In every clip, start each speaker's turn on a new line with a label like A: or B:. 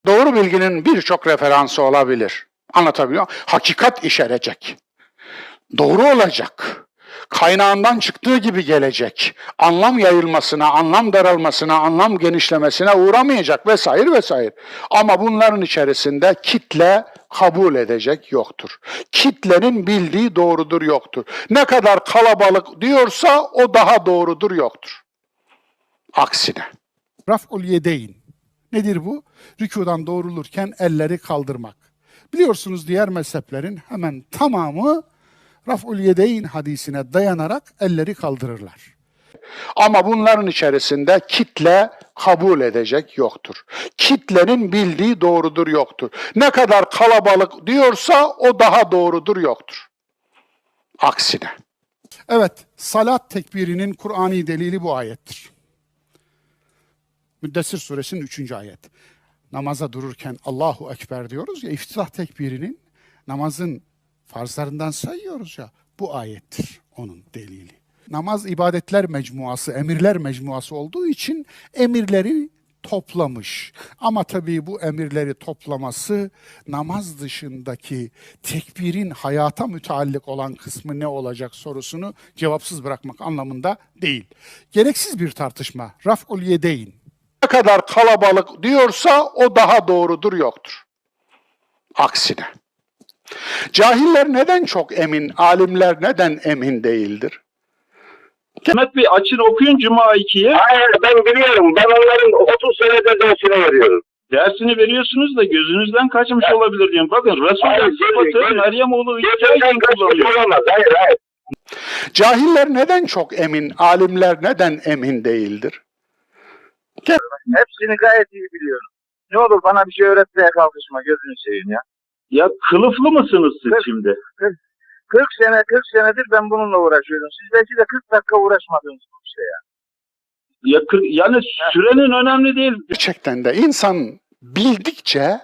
A: Doğru bilginin birçok referansı olabilir. Anlatabiliyor muyum? Hakikat işarecek. Doğru olacak. Kaynağından çıktığı gibi gelecek. Anlam yayılmasına, anlam daralmasına, anlam genişlemesine uğramayacak vesaire vesaire. Ama bunların içerisinde kitle kabul edecek yoktur. Kitlenin bildiği doğrudur yoktur. Ne kadar kalabalık diyorsa o daha doğrudur yoktur. Aksine.
B: Raf'ul yedeyn. Nedir bu? Rükudan doğrulurken elleri kaldırmak. Biliyorsunuz diğer mezheplerin hemen tamamı Raf'ul yedeyn hadisine dayanarak elleri kaldırırlar.
A: Ama bunların içerisinde kitle kabul edecek yoktur. Kitlenin bildiği doğrudur yoktur. Ne kadar kalabalık diyorsa o daha doğrudur yoktur. Aksine.
B: Evet, salat tekbirinin Kur'ani delili bu ayettir. Müddessir suresinin 3. ayet. Namaza dururken Allahu Ekber diyoruz ya, iftitah tekbirinin namazın farzlarından sayıyoruz ya, bu ayettir onun delili. Namaz ibadetler mecmuası, emirler mecmuası olduğu için emirleri toplamış. Ama tabii bu emirleri toplaması namaz dışındaki tekbirin hayata müteallik olan kısmı ne olacak sorusunu cevapsız bırakmak anlamında değil. Gereksiz bir tartışma. Raf'ul yedeyn.
A: Ne kadar kalabalık diyorsa o daha doğrudur yoktur. Aksine. Cahiller neden çok emin, alimler neden emin değildir?
C: Mehmet Bey açın okuyun Cuma 2'ye.
D: Hayır, ben biliyorum. Ben onların 30 senedir dersini veriyorum.
C: Dersini veriyorsunuz da gözünüzden kaçmış olabilir diyorum. Bakın
D: Hayır,
C: Resul'ün sıfatı Meryem oğlu İsa için
D: Gerçekten
C: kullanıyor.
D: olamaz. Hayır.
A: Cahiller neden çok emin, alimler neden emin değildir?
D: Hepsini gayet iyi biliyorum. Ne olur bana bir şey öğretmeye kalkışma, gözünü seveyim ya.
C: Ya kılıflı mısınız siz şimdi?
D: 40 senedir ben bununla uğraşıyorum. Siz belki de 40 dakika uğraşmadınız bu işte ya.
C: Yani sürenin önemli değil.
A: Gerçekten de insan bildikçe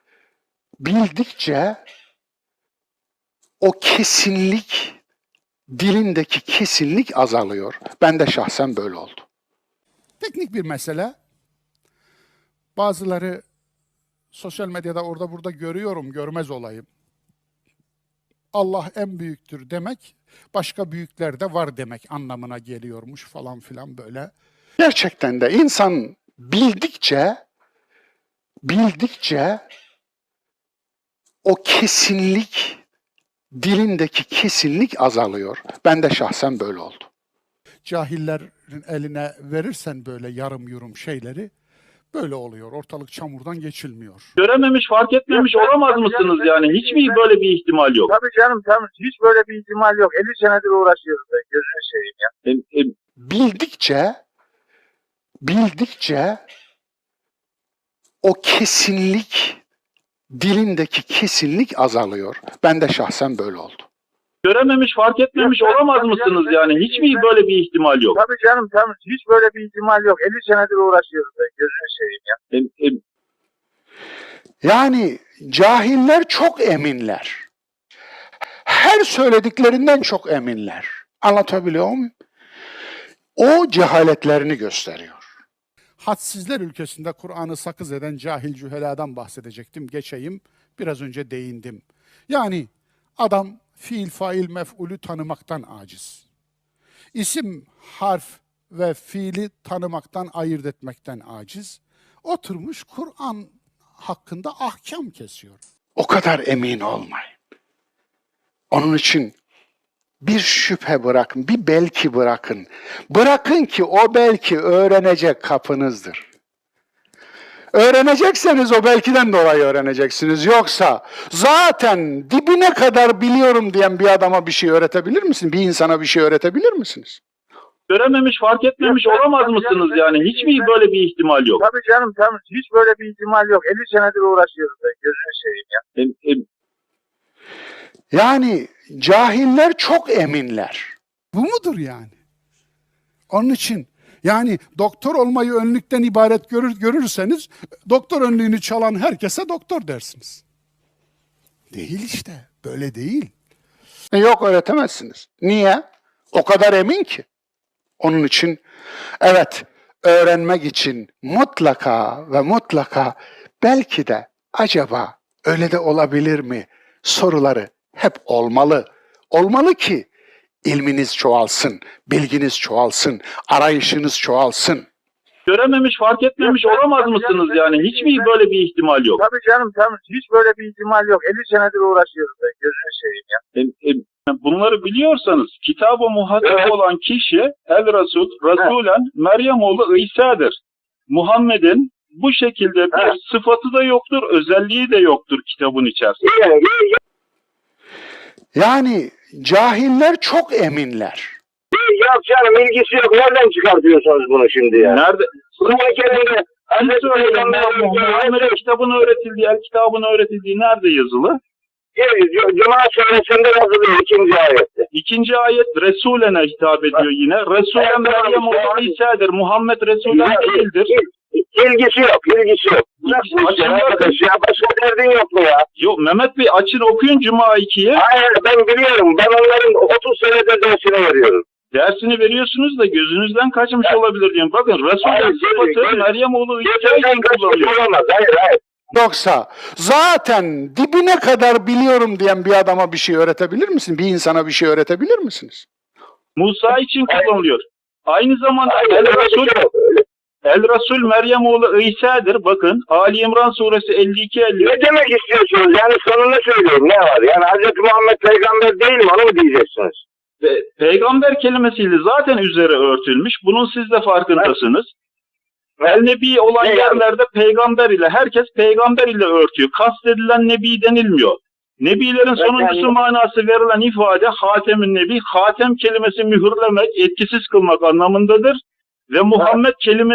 A: o kesinlik, dilindeki kesinlik azalıyor. Ben de şahsen böyle oldu.
B: Teknik bir mesele. Bazıları sosyal medyada orada burada görüyorum, görmez olayım. Allah en büyüktür demek, başka büyükler de var demek anlamına geliyormuş falan filan böyle.
A: Gerçekten de insan bildikçe o kesinlik, dilindeki kesinlik azalıyor. Ben de şahsen böyle oldu.
B: Cahillerin eline verirsen böyle yarım yurum şeyleri böyle oluyor. Ortalık çamurdan geçilmiyor.
C: Görememiş, fark etmemiş olamaz mısınız yani? Hiç mi böyle bir ihtimal yok?
D: Tabii canım, hiç böyle bir ihtimal yok. 50 senedir uğraşıyoruz ben, gözünü seveyim ya.
A: Bildikçe o kesinlik, dilindeki kesinlik azalıyor. Ben de şahsen böyle oldu.
C: Görememiş, fark etmemiş olamaz mısınız yani? Hiç mi böyle bir ihtimal yok?
D: Tabii canım, hiç böyle bir ihtimal yok. 50 senedir uğraşıyoruz ben, gözünü seveyim ya.
A: Yani cahiller çok eminler. Her söylediklerinden çok eminler. Anlatabiliyor muyum? O cehaletlerini gösteriyor.
B: Hadsizler ülkesinde Kur'an'ı sakız eden cahil cüheladan bahsedecektim. Geçeyim. Biraz önce değindim. Yani adam fiil, fail, mef'ulü tanımaktan aciz. İsim, harf ve fiili tanımaktan, ayırt etmekten aciz. Oturmuş Kur'an hakkında ahkam kesiyor.
A: O kadar emin olmayın. Onun için bir şüphe bırakın, bir belki bırakın. Bırakın ki o belki öğrenecek kapınızdır. Öğrenecekseniz o belkiden dolayı öğreneceksiniz. Yoksa zaten dibine kadar biliyorum diyen bir adama bir şey öğretebilir misiniz? Bir insana bir şey öğretebilir misiniz?
C: Görememiş, fark etmemiş olamaz mısınız yani? Hiç mi böyle bir ihtimal yok?
D: Tabii canım, hiç böyle bir ihtimal yok. 50 senedir uğraşıyoruz ben, gözünü seveyim ya.
A: Yani cahiller çok eminler.
B: Bu mudur yani? Onun için yani doktor olmayı önlükten ibaret görürseniz doktor önlüğünü çalan herkese doktor dersiniz. Değil işte, böyle değil.
A: Yok öğretemezsiniz. Niye? O kadar emin ki. Onun için evet öğrenmek için mutlaka ve mutlaka belki de acaba öyle de olabilir mi soruları hep olmalı. Olmalı ki ilminiz çoğalsın, bilginiz çoğalsın, arayışınız çoğalsın.
C: Görememiş, fark etmemiş olamaz mısınız yani? Hiç mi böyle bir ihtimal yok?
D: Tabii canım tabii. Hiç böyle bir ihtimal yok. 50 senedir uğraşıyoruz ben. Gözünü seveyim ya.
C: Bunları biliyorsanız kitaba muhatap olan kişi Rasulen Meryem oğlu İsa'dır. Muhammed'in bu şekilde bir sıfatı da yoktur, özelliği de yoktur kitabın içerisinde.
A: Yani cahiller çok eminler.
E: Yok canım, ilgisi yok. Nereden çıkartıyorsunuz bunu şimdi ya?
C: Nerede?
E: Kur'an-ı Kerim'de Hazreti
C: Muhammed'in kitabın öğretildiği, el kitabın öğretildiği nerede yazılı?
E: Cuma suresinde yazılıyor 2. ayette.
C: 2. ayet Resulene hitap ediyor yine. Resulen Meryem oğlu İsa'dır. Muhammed Resulen değildir.
E: İlgisi yok, ilgisi yok. Nasıl arkadaş ya? Başka derdin yok mu ya?
C: Yok Mehmet Bey açın okuyun Cuma 2'yi.
E: Hayır, ben biliyorum. Ben onların 30 senedir dersini veriyorum.
C: Dersini veriyorsunuz da gözünüzden kaçmış olabilir diyorum. Bakın Resul'ün sıfatı Meryem oğlu İsa için kullanılıyor.
E: Hayır.
A: Yoksa zaten dibine kadar biliyorum diyen bir adama bir şey öğretebilir misin? Bir insana bir şey öğretebilir misiniz?
C: Musa için kullanılıyor. Aynı zamanda
E: Hayır,
C: El Resul Meryem oğlu İsa'dır. Bakın Ali İmran suresi 52-50.
E: ne demek istiyorsunuz? Yani sonunu söylüyorum. Ne var? Yani Hz. Muhammed peygamber değil mi? Onu mu diyeceksiniz?
C: Peygamber kelimesiyle zaten üzeri örtülmüş. Bunun siz de farkındasınız. El Nebi olan yerlerde peygamber ile, herkes peygamber ile örtüyor. Kastedilen Nebi denilmiyor. Nebilerin sonuncusu manası verilen ifade Hatem-ün Nebi. Hatem kelimesi mühürlemek, etkisiz kılmak anlamındadır. Ve Muhammed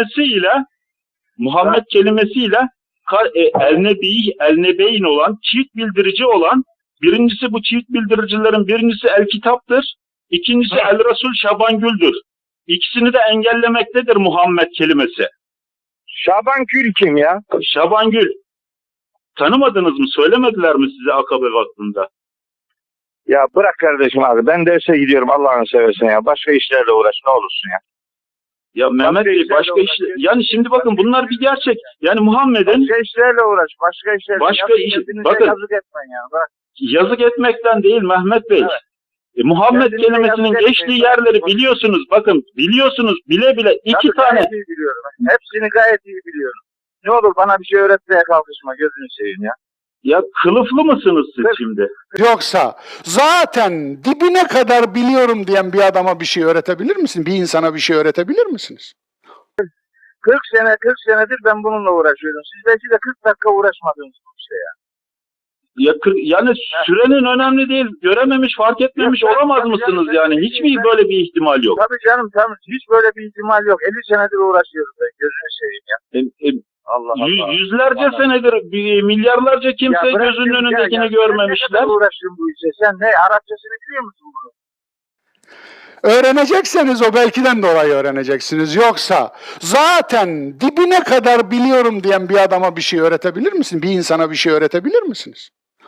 C: kelimesiyle El Nebi, El Nebeyn olan, çift bildirici olan, birincisi bu çift bildiricilerin birincisi El Kitap'tır. İkincisi El Resul Şabangül'dür. İkisini de engellemektedir Muhammed kelimesi.
E: Şaban Gül kim ya?
C: Şabangül. Tanımadınız mı? Söylemediler mi size Akabe vaktinde?
E: Ya bırak kardeşim abi. Ben derse gidiyorum Allah'ını seversen ya. Başka işlerle uğraş ne olursun ya.
C: Ya Mehmet Bey başka işler... Yani şimdi bakın bunlar bir gerçek. Yani Muhammed'in...
D: Başka işlerle uğraş. Başka işlerle.
C: Bakın.
D: Yazık etmen ya. Bak.
C: Yazık etmekten değil Mehmet Bey.
D: Evet.
C: Muhammed kelimesinin geçtiği yerleri biliyorsunuz. Bakın biliyorsunuz bile bile iki
D: Tabii
C: tane.
D: Gayet iyi biliyorum. Hepsini gayet iyi biliyorum. Ne olur bana bir şey öğretmeye kalkışma. Gözünü seveyim ya.
C: Ya kılıflı mısınız siz şimdi?
A: Yoksa zaten dibine kadar biliyorum diyen bir adama bir şey öğretebilir misin? Bir insana bir şey öğretebilir misiniz?
D: 40 senedir ben bununla uğraşıyorum. Siz belki de 40 dakika uğraşmadınız bu işte ya.
C: Yani sürenin önemli değil. Görememiş, fark etmemiş olamaz mısınız yani? Hiç mi böyle bir ihtimal yok?
D: Tabii canım tabii. Hiç böyle bir ihtimal yok. 50 senedir uğraşıyoruz ben. Gözünü seveyim ya. Allah Allah.
C: Yüzlerce senedir, milyarlarca kimse gözünün önündekini görmemişler.
D: Ne kadar uğraşıyorum bu işe? Sen ne? Arapçasını biliyor musun bunu?
A: Öğrenecekseniz o belkiden dolayı öğreneceksiniz. Yoksa zaten dibine kadar biliyorum diyen bir adama bir şey öğretebilir misin? Bir insana bir şey öğretebilir misiniz?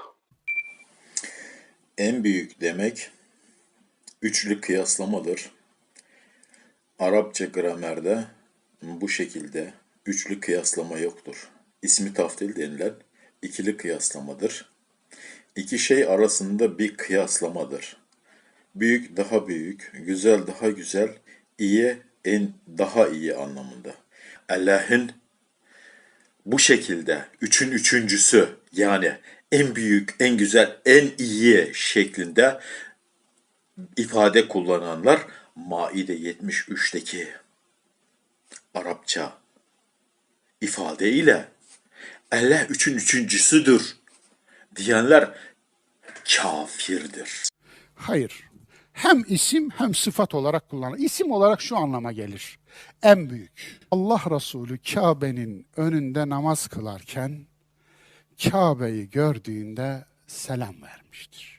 F: En büyük demek üçlü kıyaslamadır. Arapça gramerde bu şekilde üçlü kıyaslama yoktur. İsmi taftil denilen ikili kıyaslamadır. İki şey arasında bir kıyaslamadır. Büyük daha büyük, güzel daha güzel, iyi en daha iyi anlamında. Allah'ın bu şekilde üçün üçüncüsü yani en büyük, en güzel, en iyi şeklinde ifade kullananlar Maide 73'teki Arapça ifade ile Allah üçün üçüncüsüdür diyenler kafirdir.
B: Hayır. Hem isim hem sıfat olarak kullanılır. İsim olarak şu anlama gelir. En büyük. Allah Resulü Kabe'nin önünde namaz kılarken Kabe'yi gördüğünde selam vermiştir.